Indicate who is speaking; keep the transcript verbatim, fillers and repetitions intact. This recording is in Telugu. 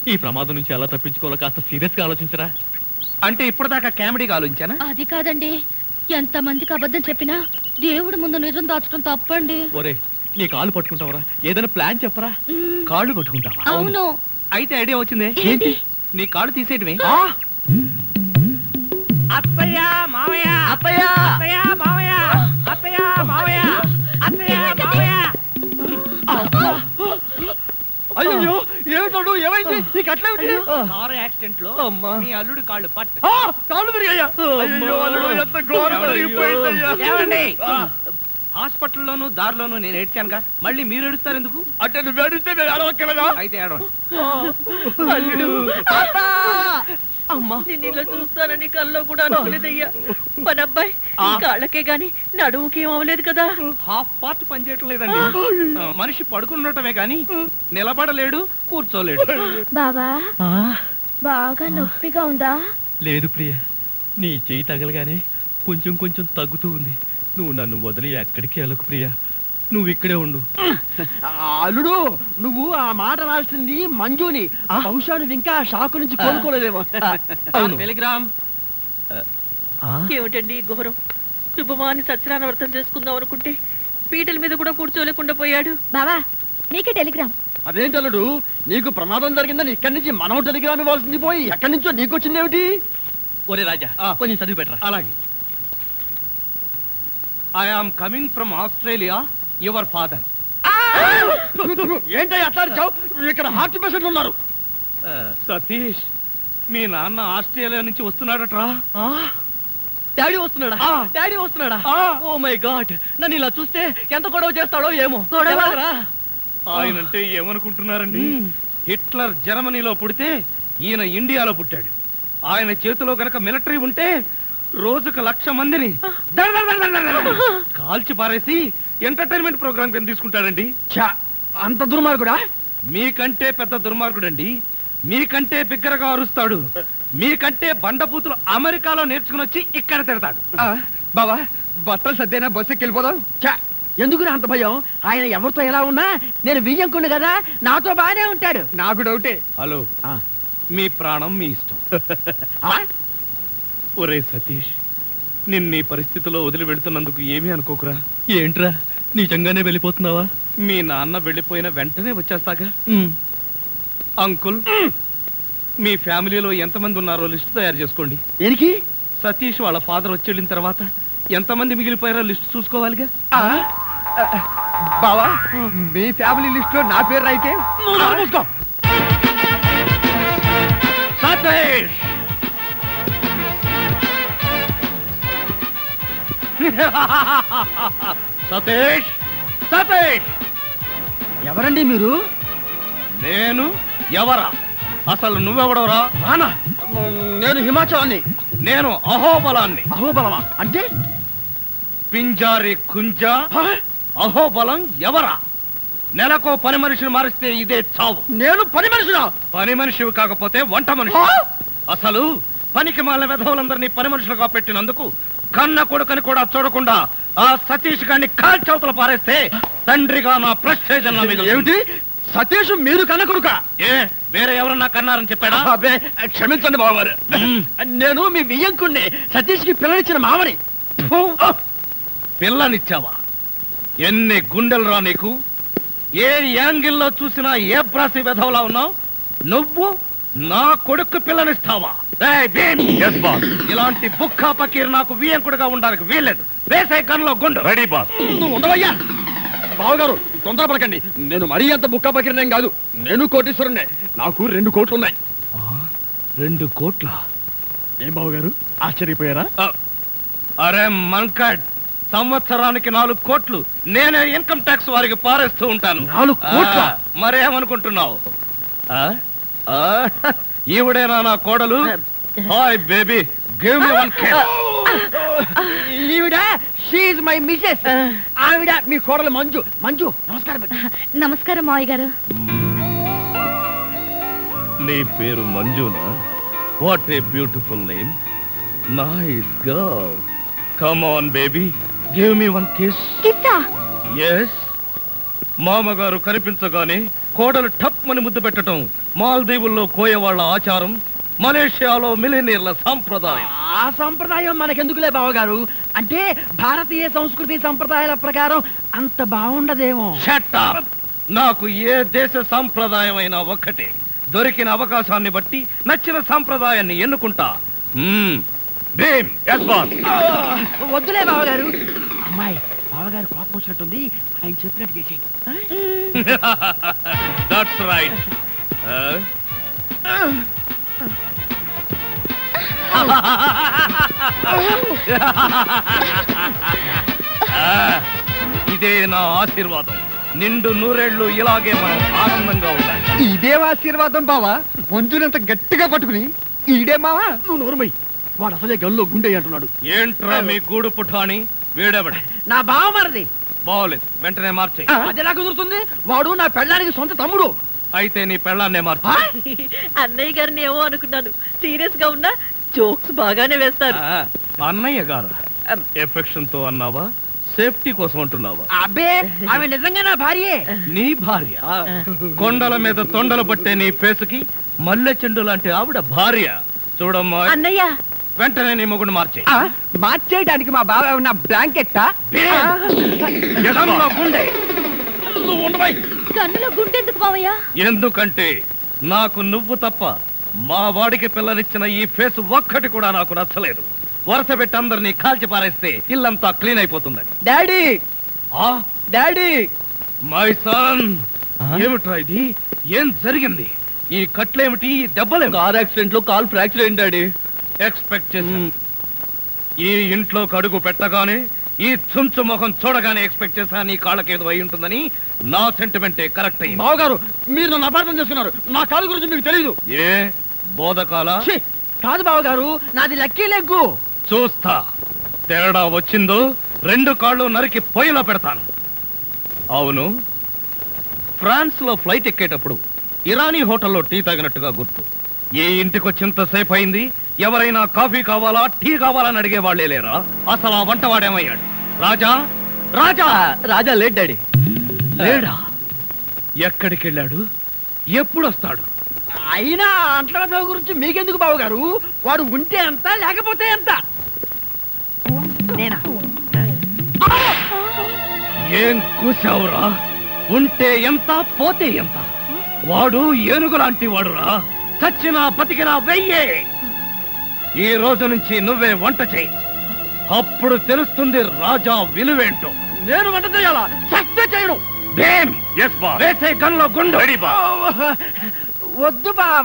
Speaker 1: ఈ ప్రమాదం నుంచి ఎలా తప్పించుకోవాలో కాస్త సీరియస్ గా ఆలోచించరా.
Speaker 2: అంటే ఇప్పటిదాకా కామెడీగా ఆలోచించానా?
Speaker 3: అది కాదండి, ఎంత మందికి అబద్ధం చెప్పినా దేవుడి ముందు నిజం దాచడం తప్పండి.
Speaker 1: ఒరే నీ కాళ్ళు పట్టుకుంటావరా, ఏదైనా ప్లాన్ చెప్పరా.
Speaker 2: కాళ్ళు పట్టుకుంటావా?
Speaker 3: అవును.
Speaker 2: అయితే ఐడియా వచ్చింది.
Speaker 3: ఏంటి?
Speaker 2: నీ కాళ్ళు తీసేయటమే. అత్తయ్య మావయ్య అత్తయ్య అత్తయ్య మావయ్య అత్తయ్య మావయ్య అత్తయ్య మావయ్య.
Speaker 1: అయ్యో ఏమిటో ఏమైంది? నీకు అట్లా
Speaker 2: కారు యాక్సిడెంట్ లో మీ అల్లుడు కాళ్ళు పట్టు
Speaker 1: కాళ్ళు విరిగాయా? అయ్యో అల్లుడు ఎంత ఘోరం జరిగిపోయిందయ్యా.
Speaker 2: ఏమండి హాస్పిటల్లోను దారిలోను నేను ఏడ్చానుగా, మళ్ళీ మీరు ఏడుస్తారు ఎందుకు?
Speaker 1: అంటే నువ్వు ఏడిస్తే నేను ఏడవక్కలేదా?
Speaker 2: అయితే ఏడవండి.
Speaker 4: అమ్మా నేను ఇలా చూస్తానని కల్లో కూడా అనుకోలేదయ్యా. మన అబ్బాయి కాళ్ళకే గాని నడుముకి ఏం అవ్వలేదు కదా.
Speaker 2: హాఫ్ పార్ట్ పనిచేయటం లేదండి. మనిషి పడుకున్నటమే గాని నిలబడలేడు, కూర్చోలేడు.
Speaker 3: బాబా బాగా నొప్పిగా ఉందా?
Speaker 1: లేదు ప్రియ, నీ చెయ్యి తగలగానే కొంచెం కొంచెం తగ్గుతూ ఉంది. నువ్వు నన్ను వదిలి ఎక్కడికి వెళ్ళకు ప్రియ, నువ్వు ఇక్కడే ఉండు.
Speaker 5: అల్లుడు నువ్వు ఆ మాట రాల్సింది మంజుని. బహుశా నువ్వు ఇంకా షాకు నుంచి కోలుకోలేదేమో.
Speaker 2: టెలిగ్రామ్.
Speaker 4: ఏమిటండి ఘోరం? శుభమాని సత్యనారాయణ వ్రతం చేసుకుందాం అనుకుంటే పీటల మీద కూడా కూర్చోలేకుండా పోయాడు.
Speaker 3: బావా నీకే టెలిగ్రామ్.
Speaker 5: అదేంటి అల్లుడు, నీకు ప్రమాదం జరిగిందని ఇక్కడి నుంచి మనం టెలిగ్రామ్ ఇవ్వాల్సింది పోయి ఎక్కడి నుంచో నీకు వచ్చిందేమిటి?
Speaker 1: ఒరే రాజా కొంచెం చదివి పెట్టరా.
Speaker 2: అలాగే. I am coming from Australia, your father.
Speaker 5: ఏంటో అట్లా ఇక్కడ హార్ట్ పేషెంట్లు ఉన్నారు.
Speaker 2: సతీష్ మీ నాన్న ఆస్ట్రేలియా నుంచి వస్తున్నాడట్రా.
Speaker 1: డాడీ వస్తున్నాడా? డాడీ వస్తున్నాడా? ఓ మై గాడ్, నన్ను ఇలా చూస్తే ఎంత గొడవ చేస్తాడో ఏమో.
Speaker 2: ఆయనంటే ఏమనుకుంటున్నారండి? హిట్లర్ జర్మనీలో పుడితే ఈయన ఇండియాలో పుట్టాడు. ఆయన చేతిలో గనక మిలిటరీ ఉంటే రోజుకు లక్ష మందిని కాల్చి పారేసి ఎంటర్టైన్మెంట్ ప్రోగ్రామ్ కింద తీసుకుంటాడండి.
Speaker 5: అంత దుర్మార్గుడా?
Speaker 2: మీకంటే పెద్ద దుర్మార్గుడండి. మీకంటే బిగ్గరగా అరుస్తాడు. మీకంటే బండబూతులు అమెరికాలో నేర్చుకుని వచ్చి ఇక్కడ తిడతాడు.
Speaker 5: బావా బట్టలు సర్దేనా బస్సుకి వెళ్ళిపోదాం. ఎందుకు అంత భయం? ఆయన ఎవరితో ఎలా ఉన్నా నేను వియ్యంకుండు కదా, నాతో బాగానే ఉంటాడు. నాకు డౌటే.
Speaker 2: హలో, మీ ప్రాణం మీ ఇష్టం. ఒరే సతీష్, నిన్న ఈ పరిస్థితిలో వదిలి వెళుతున్నందుకు ఏమీ అనుకోకురా.
Speaker 1: ఏంట్రా నిజంగానే వెళ్ళిపోతున్నావా?
Speaker 2: మీ నాన్న వెళ్ళిపోయిన వెంటనే వచ్చేస్తాగా. అంకుల్, మీ ఫ్యామిలీలో ఎంతమంది ఉన్నారో లిస్ట్ తయారు చేసుకోండి.
Speaker 5: దేనికి?
Speaker 2: సతీష్ వాళ్ళ ఫాదర్ వచ్చి వెళ్ళిన తర్వాత ఎంతమంది మిగిలిపోయారో లిస్ట్ చూసుకోవాలిగా.
Speaker 5: బావా మీ ఫ్యామిలీ లిస్ట్ లో నా పేరు అయితే
Speaker 2: సతీష్ సతీష్ సతీష్
Speaker 5: ఎవరండి మీరు?
Speaker 2: నేను ఎవరా? అసలు నువ్వెవడవరా?
Speaker 5: రానా? నేను హిమాచలాన్ని.
Speaker 2: నేను అహోబలాన్ని.
Speaker 5: అహోబలమా అంటే?
Speaker 2: పింజారి కుంజ. అహోబలం ఎవరా? నెలకో పని మనిషిని మారిస్తే ఇదే చావు.
Speaker 5: నేను పని మనిషినా?
Speaker 2: పని మనిషివి కాకపోతే వంట మనిషి. అసలు పనికి మాల వెధవులందరినీ పని మనుషులుగా పెట్టినందుకు కన్న కొడుకని కూడా చూడకుండా ఆ సతీష్ గారిని కాల్చవతల పారేస్తే తండ్రిగా నా ప్రెస్టేజ్
Speaker 5: ఏమిటి? సతీష్ మీరు కన్న కొడుక?
Speaker 2: ఏ వేరే ఎవరన్నా కన్నారని చెప్పాడా?
Speaker 5: అబ్బే క్షమించండి బావగారు, నేను మీ వియ్యంకుణ్ణి, సతీష్ కి పిల్లనిచ్చిన మామని.
Speaker 2: పిల్లనిచ్చావా? ఎన్ని గుండెలు రా నీకు! ఏ యాంగిల్లో చూసినా ఏ బ్రాసి వెధవలా ఉన్నావు. నువ్వు నా కొడుకు పిల్లనిస్తావా? ఇలాంటి బుక్కా పకీర్ నాకు వియ్యంకుడుగా ఉండడానికి వీల్లేదు. వేసే గన్లో గుండు. Ready boss.
Speaker 5: నువ్వు ఉండవయ్యా. బావగారు తొందరపడకండి, నేను మరీ అంత బుక్కా పకీర్నేం కాదు. నేను కోటీశ్వరుణ్ణే, నాకు రెండు కోట్లు ఉన్నాయి.
Speaker 2: రెండు కోట్ల?
Speaker 5: ఏం బావగారు ఆశ్చర్యపోయారా?
Speaker 2: అరే మంకడ్, సంవత్సరానికి నాలుగు కోట్లు నేనే ఇన్కమ్ ట్యాక్స్ వారికి పారేస్తూ ఉంటాను.
Speaker 5: నాలుగు కోట్ల?
Speaker 2: మరేమనుకుంటున్నావు? ఈవిడేనా నా కోడలు? Hi baby, give me one kiss.
Speaker 5: ఈవిడ షీ ఇస్ మై మిసెస్. ఆవిడ మీ కోడలు మంజు. మంజు నమస్కారం.
Speaker 3: నమస్కారం మావయ్య గారు.
Speaker 2: నీ పేరు మంజునా? What a beautiful name. Nice girl. Come on baby, give me one kiss.
Speaker 3: కిస్సా?
Speaker 2: ఎస్. మామగారు కనిపించగానే కోడలు టప్ అని ముద్దు పెట్టడం మాల్దీవుల్లో కోయవాళ్ల ఆచారం, మలేషియాలో మిలినీర్ల సాంప్రదాయం.
Speaker 5: ఆ సంప్రదాయం మనకెందుకులే బావగారు, అంటే భారతీయ సంస్కృతి సంప్రదాయాల ప్రకారం అంత బాగుండదేమో.
Speaker 2: Shut up! నాకు ఏ దేశ సాంప్రదాయం అయినా ఒక్కటే. దొరికిన అవకాశాన్ని బట్టి నచ్చిన సాంప్రదాయాన్ని ఎన్నుకుంటా. మ్మ్. Bhim, yes boss.
Speaker 5: ఆ, వద్దులే బావగారు. అమ్మాయి బావగారు కోపం వచ్చినట్టుంది, ఆయన చెప్పినట్టు చేసి.
Speaker 2: That's right. Uh? ఇదే నా ఆశీర్వాదం. నిండు నూరేళ్లు ఇలాగే మనం ఆనందంగా ఉండాలి.
Speaker 5: ఇదే ఆశీర్వాదం బావా, మంజునంత గట్టిగా పట్టుకుని. ఈడే మావా నువ్వు నోరుమై, వాడు అసలే గల్లో గుండె అంటున్నాడు.
Speaker 2: ఏంట్రా మీ గూడు పుఠాని? వీడెవడు?
Speaker 5: నా బావ మరది.
Speaker 2: బాగోలేదు, వెంటనే మార్చే.
Speaker 5: అది ఎలా కుదురుతుంది? వాడు నా పెళ్ళానికి సొంత తమ్ముడు.
Speaker 2: అయితే నీ పెళ్ళాన్నే మార్చు.
Speaker 4: అన్నయ్య గారిని ఏమో అనుకున్నాను, సీరియస్ గా ఉన్నా జోక్స్ బాగానే వేస్తారు.
Speaker 2: ఆ, అన్నయ్య గారు ఎఫెక్షన్ తో అన్నావా, సేఫ్టీ కోసం అంటున్నావా?
Speaker 5: అబ్బే, ఆమె నిజంగా నా భార్యే.
Speaker 2: నీ భార్య? కొండల మీద తొండలు పట్టే నీ ఫేసుకి మల్లె చెండు లాంటి ఆవిడ భార్య. చూడమ్మా,
Speaker 4: అన్నయ్య
Speaker 2: వెంటనే నీ మొగుడు మార్చే.
Speaker 5: ఆ, మార్చేయడానికి మా బావ ఉన్న బ్లాంకెట్టా?
Speaker 2: గుండె
Speaker 3: కన్నులో గుండెందుకు మావయ్య?
Speaker 2: ఎందుకంటే నాకు నువ్వు తప్ప మా వాడికి పిల్లనిచ్చిన ఈ ఫేస్ ఒక్కటి కూడా నాకు నచ్చలేదు. వరుస పెట్టి అందరినీ కాల్చి పారేస్తే ఇల్లంతా క్లీన్ అయిపోతుందని.
Speaker 5: డాడీ,
Speaker 2: ఆ
Speaker 5: డాడీ,
Speaker 2: మై సన్, ఏమిట్రా ఇది? ఏం జరిగింది? ఈ కట్లేమిటి, ఈ దెబ్బలేమి?
Speaker 1: కార్ యాక్సిడెంట్ లో కాల్ ఫ్రాక్చర్ అయింది డాడీ.
Speaker 2: ఎక్స్పెక్ట్ చేశాను. ఈ ఇంట్లో అడుగు పెట్టగానే, ఈ చుంచు ముఖం చూడగానే ఎక్స్పెక్ట్ చేశా నీ కాళ్ళకేదో అయి ఉంటుందని. నా సెంటిమెంటే కరెక్ట్ అయ్యింది.
Speaker 5: బావగారు మీరు నన్ను అపార్థం చేసుకున్నారు. నా కాలు గురించి మీకు తెలీదు.
Speaker 2: ఏ బోధకాల?
Speaker 5: ఛీ, కాదు బావగారు, నాది లక్కీ లెగ్గు.
Speaker 2: చూస్తా, తేడా వచ్చిందో రెండు కాళ్ళు నరికి పొయ్యిలో పెడతాను. అవును, ఫ్రాన్స్ లో ఫ్లైట్ ఎక్కేటప్పుడు ఇరానీ హోటల్లో టీ తాగినట్టుగా గుర్తు. ఏ ఇంటికి వచ్చింతసేపు అయింది, ఎవరైనా కాఫీ కావాలా, టీ కావాలని అడిగే వాళ్ళే లేరా? అసలు ఆ వంటవాడేమయ్యాడు? రాజా, రాజా
Speaker 1: రాజా లేట్ డాడీ.
Speaker 2: లేడా? ఎక్కడికి వెళ్ళాడు? ఎప్పుడు వస్తాడు?
Speaker 5: అయినా అంట్ల గురించి మీకెందుకు బావగారు? వాడు ఉంటే ఎంత, లేకపోతే ఎంత? నేనా?
Speaker 2: ఏం కూసావురా? ఉంటే ఎంత, పోతే ఎంత? వాడు ఏనుగు లాంటి వాడురా. చచ్చినా బతికినా వెయ్యే. ఈ రోజు నుంచి నువ్వే వంట చేయి, అప్పుడు తెలుస్తుంది రాజా విలువేంటో.
Speaker 5: నేను వంట చేయాలా? చస్తే చేయను.
Speaker 2: వేసే గన్లో గుండు.
Speaker 5: వద్దు బావ.